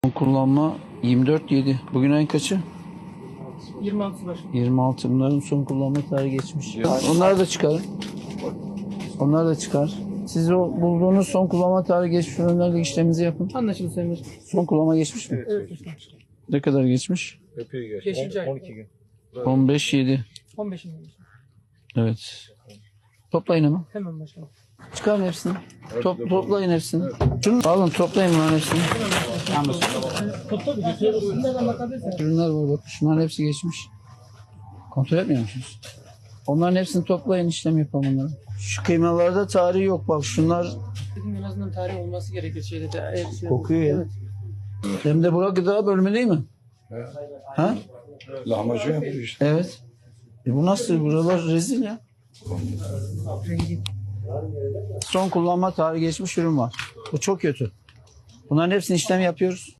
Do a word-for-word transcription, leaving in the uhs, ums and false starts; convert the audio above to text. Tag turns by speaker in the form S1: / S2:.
S1: Kullanma yirmi dört yedi. Bugün ayın kaçı?
S2: yirmi altısı başlıyor.
S1: yirmi altı. Bunların son kullanma tarihi geçmiş. Onlar da çıkar. Onlar da çıkar. Siz o bulduğunuz son kullanma tarihi geçmiş ürünlerle işleminizi yapın.
S2: Anlaşıldı Sayın Başkanım.
S1: Son kullanma geçmiş mi?
S2: Evet Başkanım.
S1: Ne kadar geçmiş?
S3: Epey geç.
S2: Beşinci ay.
S3: on iki gün.
S1: on beş yedi.
S2: on beşinci ay.
S1: Evet. Toplayın ama.
S2: Hemen Başkanım.
S1: Çıkarın hepsini. Top, toplayın hepsini. Şunu alın, toplayın bunların hepsini.
S2: Topla bir götürüyoruz. Bunlardan bakabilirsiniz.
S1: Ürünler var bak. Şunların hepsi geçmiş. Kontrol etmiyor musunuz? Onların hepsini toplayın, işlem yapalım onları. Şu kıymalarda tarihi yok bak. Şunlar
S2: Dedim en azından tarih olması gerekir şeyde de. eğer şey-
S1: kokuyor ya.
S2: Evet.
S1: Hem de bura gıda bölümü değil mi? Ha?
S3: Lahmacun yapıyor işte.
S1: Evet. E bu nasıl? Buralar rezil ya.
S2: Rengi.
S1: Son kullanma tarihi geçmiş ürün var. Bu çok kötü. Bunların hepsini işlem yapıyoruz.